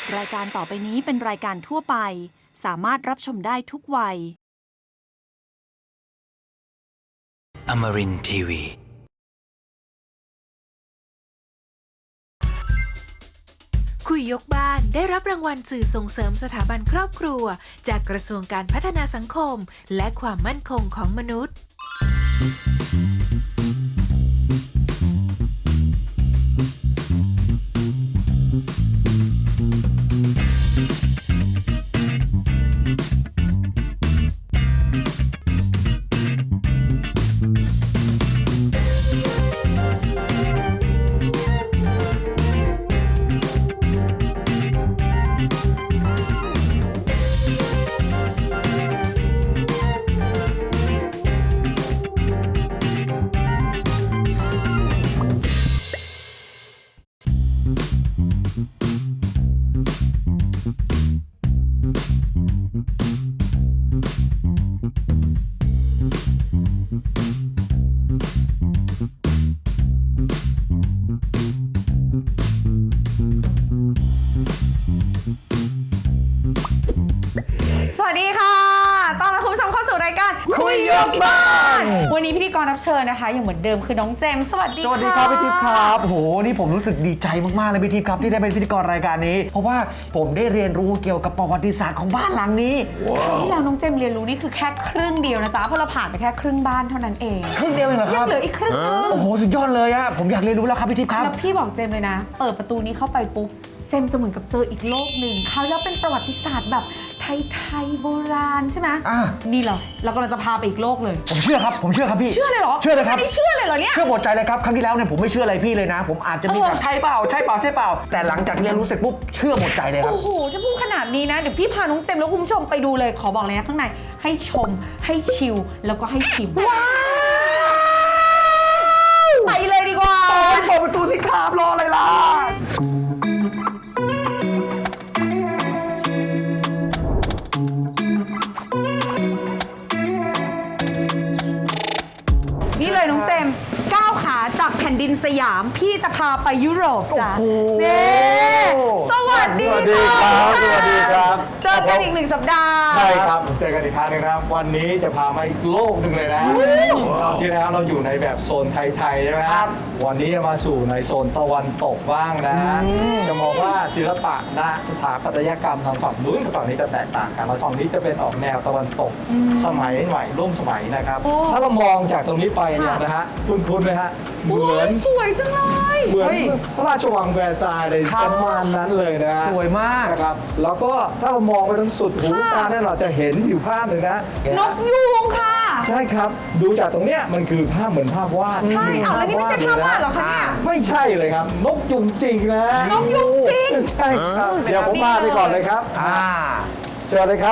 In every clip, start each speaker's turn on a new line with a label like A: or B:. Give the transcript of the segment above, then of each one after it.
A: รายการต่อไปนี้เป็นรายการทั่วไปสามารถรับชมได้ทุกวัย
B: Amarin Tiwi
C: คุยยกบ้านได้รับรางวัลสื่อส่งเสริมสถาบันครอบครัวจากกระทรวงการพัฒนาสังคมและความมั่นคงของมนุษย์
D: สวัสดีค่ะต้อนรับคุณผู้ชมเข้าสู่รายการคุยยกบ้านวันนี้พิธีกรรับเชิญนะคะอย่างเหมือนเดิมคือน้องเจมส์สวัสดีค่ะ
E: สวัสดีครับพี่ทิพย์ครับโหนี่ผมรู้สึกดีใจมากๆเลยพี่ทิพย์ครับที่ได้เป็นพิธีกรรายการนี้ เพราะว่าผมได้เรียนรู้เกี่ยวกับประวัติศาสตร์ของบ้านหลังนี้
D: ที่เราน้องเจมส์เรียนรู้นี่คือแค่ครึ่งเดียวนะจ๊ะเพราะเราผ่านไปแค่ครึ่งบ้านเท่านั้นเอง
E: ครึ่งเดียวเองเหรอครับ
D: ยังเหลืออีกครึ่งนึง
E: โอ้โหสุดยอดเลยอะผมอยากเรียนรู้แล้วครับพี่ทิพย์ครับ
D: แล้วพี่บอกเจมส์เลยนะเปิดประตูนี้เข้าไปปุ๊บเจมส์จะเหมือนกับเจออีกโลกหนึ่งเขาแล้วเป็นประวัติศาสตร์แบบไทยโบราณใช่ไหมนี่เรากำลังจะพาไปอีกโลกเลย
E: ผมเชื่อครับพี่
D: เชื่อเลยเหรอ
E: เชื่อเลยครับ
D: ไม่ได้เชื่อเลยเหรอเนี่ย
E: เชื่อหมดใจเลยครับครั้งที่แล้วเนี่ยผมไม่เชื่ออะไรพี่เลยนะ ผมอาจจะมีแบบใช่เปล่าแต่หลังจากเรียนรู้เสร็จปุ๊บเชื่อหมดใจเลยครับ
D: โอ้โหถ้าพูดขนาดนี้นะเดี๋ยวพี่พาน้องเจมส์แล้วคุณผู้ชมไปดูเลยขอบอกเลยนะข้างในให้ชมให้ชิลแล้วก็ให้ชิมไปเลยดีกว่า
E: เปิดประตูสิครับรออะไรล่ะ
D: นี่เลยน้องเจมส์ก้าวขาจากแผ่นดินสยามพี่จะพาไปยุโรปจ้ะเน่สวัสดี
F: สวัสดีครับสวัสดีครับ
D: เจอกันอีก1 สัปดาห์
F: ใช่ครับผมเจอกันอีกครั้งหนึงนะครับวันนี้จะพามาอีกโลกหนึ่งเลยนะคราวที่แล้วเราอยู่ในแบบโซนไทยๆใช่ไหมครับวันนี้จะมาสู่ในโซนตะวันตกบ้างนะจะมองว่าศิลปะนะสถาปัตยกรรมทางฝั่งนู้นกับฝั่งนี้จะแตกต่างกันแล้วฝั่งนี้จะเป็นออกแนวตะวันตกสมัยใหม่ร่วมสมัยนะครับถ้าเรามองจากตรงนี้ไปเนี่ยนะฮะคุ้นๆไหมฮะเห
D: โอ้
F: มือย น
D: สวยจังเลย
F: เหมือนพระราชวังแวร์ซายน์เลยประมาณนั้นเลยนะ
E: สวยมาก
F: นะครับแล้วก็ถ้าเรามองไปทางสุดหูตาเนี่ยเราจะเห็นอยู่ภาพหนึ่งนะ
D: นกยูงค่ะ
F: ใช่ครับดูจากตรงเนี้ยมันคือภาพเหมือนภาพวาด
D: ใช่เอาแล้วนี่ไม่ใช่ภาพวาดเหรอคะเนี่ย
F: ไม่ใช่เลยครับนกยุงจริงนะ
D: นกยุงจริง
F: ใช่ครับเดี๋ยวผมพาไปก่อนเลยครับเชิญเลยครับ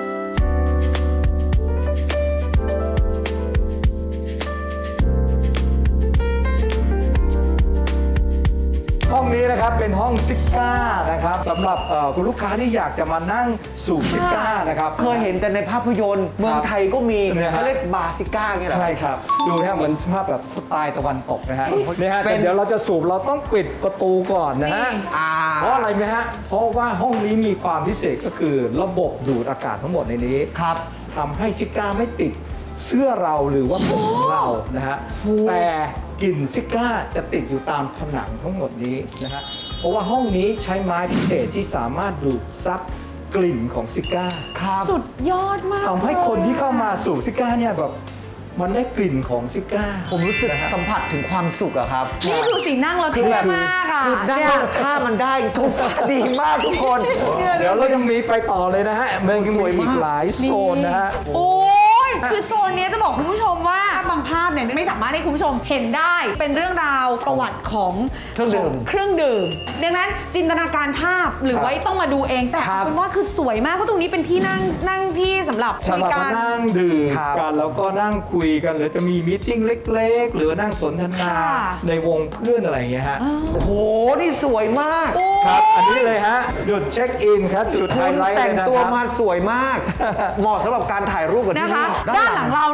F: ห้องนี้นะครับเป็นห้องซิก้านะครับสำหรับคุณลูกค้าที่อยากจะมานั่งสูบซิก้านะครับ
E: เคยเห็นแต่ในภาพยนตร์เมืองไทยก็มี
F: เนี่ยฮะ
E: เขาเรียกบาร์ซิก้าไงเหรอ
F: ใช่ครับดูนะเหมือนสภาพแบบสไตล์ตะวันตกนะฮะนี่ฮะ
E: เป็น
F: แต่เดี๋ยวเราจะสูบเราต้องปิดประตูก่อนนะฮะ
E: อ่า
F: เพราะอะไรไหมฮะเพราะว่าห้องนี้มีความพิเศษก็คือระบบดูดอากาศทั้งหมดในนี้
E: ครับ
F: ทำให้ซิก้าไม่ติดเสื้อเราหรือว่าผมของเรานะฮะแต่กลิ่นซิก้าจะติดอยู่ตามผนังทั้งหมดนี้นะฮะเพราะว่าห้องนี้ใช้ไม้พิเศษที่สามารถดูดซับกลิ่นของซิก้า
D: สุดยอดมาก
F: ทำให้คนที่เข้ามาสูบซิก้าเนี่ยแบบมันได้กลิ่นของซิก้า
E: ผมรู้สึกสัมผัสถึงความสุขอะครับ
D: นี่ดูสินั่งเราเท่มากอ่ะ
E: คือได้
D: เนี่ย
E: ถ้ามันได้ทุกดีมากทุกคน
F: เดี๋ยวเรายังมีไปต่อเลยนะฮะมันยัง
E: สวย
F: มี
E: มาก
F: อีกหลายโซนนะฮะ
D: โอ้ยคือโซนเนี้ยจะบอกคุณผู้ชมว่าบางภาพเนี่ยไม่สามารถให้คุณผู้ชมเห็นได้เป็นเรื่องราวประวัติของ
E: เครื่องดื่ม
D: เครื่องดื่มดังนั้นจินตนาการภาพหรือไว้ต้องมาดูเองแต่
E: ครับ
D: เอาเป็นว่าคือสวยมากเพราะตรงนี้เป็นที่นั่งที่สำหรับ
F: สำหรับ
D: กา
F: มาร นั่งดื่ม
E: ครับ
F: กันแล้วก็นั่งคุยกันหรือจะมีมีตติ้งเล็กๆ หรือว่านั่งสนทนา
D: ค่ะ
F: ในวงเพื่อนอะไรอย่างเงี้ยฮะ
E: โอ้โห นี่สวยมาก
D: โอ้
F: ครับอันนี้เลยฮะจุดเช็คอินครับจุดไฮ
E: คุณ
F: ไลท์
E: แต่ง
F: เลยนะ
E: ตัว
F: ครับ
E: มาสวยมาก เหมาะสำหรับการถ่ายรูปกับที่
D: นะคะ
E: นี่
D: ด้านหลังเราเนี่ย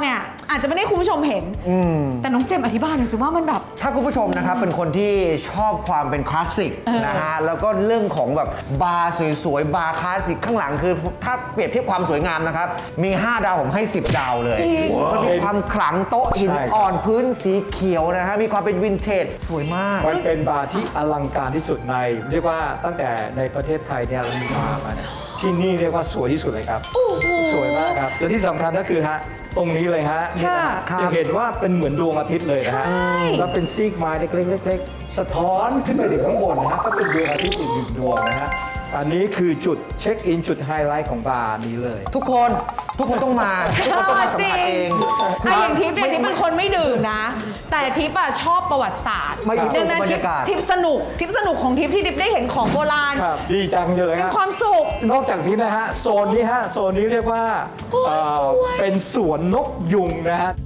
D: อาจจะไม่ได้คุณผู้ชมเห็นแต่น้องเจมส์อธิบายหน่อยสิว่ามันแบบ
E: ถ้าคุณผู้ชมนะครับเป็นคนที่ชอบความเป็นคลาสสิกนะฮะแล้วก็เรื่องของแบบบาร์สวยๆบาร์คลาสสิกข้างหลังคือถ้าเปรียบเทียบความสวยงามนะครับมี 5 ดาวผมให้ 10 ดาวเลย
D: จริง
E: มันมีความขลังโต๊ะหิน
F: ใช่
E: อ่อนพื้นสีเขียวนะฮะมีความเป็นวินเทจสวยมาก
F: มันเป็นบาร์ที่อลังการที่สุดในเรียกว่าตั้งแต่ในประเทศไทยเนี่ยเรามีบาร์มาเนี่ยที่นี่เรียกว่าสวยที่สุดเลยครับสวยมากครับและที่สำคัญก็คือฮะตรงนี้เลยฮะนี่นะฮะ
E: ค่ะ
F: ยังเห็นว่าเป็นเหมือนดวงอาทิตย์เลยนะฮะแล้วเป็นซีกไม้เล็กๆสะท้อนขึ้นไปถึงข้างบนนะฮะก็เป็นดวงอาทิตย์อีกหนึ่งดวงนะฮะอันนี้คือจุดเช็คอินจุดไฮไลท์ของบาร์นี้เลย
E: ทุกคนต้องมาทุกคนต้องมาสัมผัสเอง
D: ไอ้อย่างทิพย์เนี่ยทิพย์เป็นคนไม่ดื่มนะ แต่ทิพย์อะชอบประวัติศาสตร์
E: มาอยู่ตรง
D: ดังนั้น
E: บรร
D: ทิพ
E: ยา
D: ย์
E: กาศ
D: ทิพย์สนุกของทิพย์ที่ทิพย์ได้เห็นของโบราณ
F: ครับดีจังเลย
D: เป็น
F: ฮะ
D: ความสุข
F: นอกจากนี้นะฮะโซนนี้ฮะโซนนี้เรียกว่าเป็นสวนนกยุงนะฮะ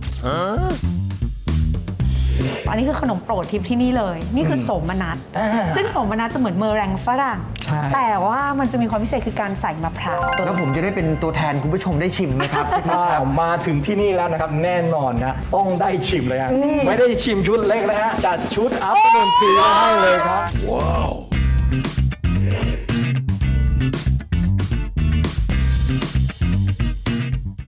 D: อันนี้คือขนมโปรดทิพย์ที่นี่เลย นี่คือโสมนัสซึ่งโสมนัสจะเหมือนเมอแรงฝรั่ง
F: ใช่
D: แต่ว่ามันจะมีความพิเศษคือการใส่มะพร้าว
E: แล้วผมจะได้เป็นตัวแทนคุณผู้ชมได้ชิมไหมครับ
F: ถ้ามาถึงที่นี่แล้วนะครับแน่นอนนะต้องได้ชิมเลยฮะไม่ได้ชิมชุดเล็กนะฮะจัดชุดอัพเดททีให้เลยครับ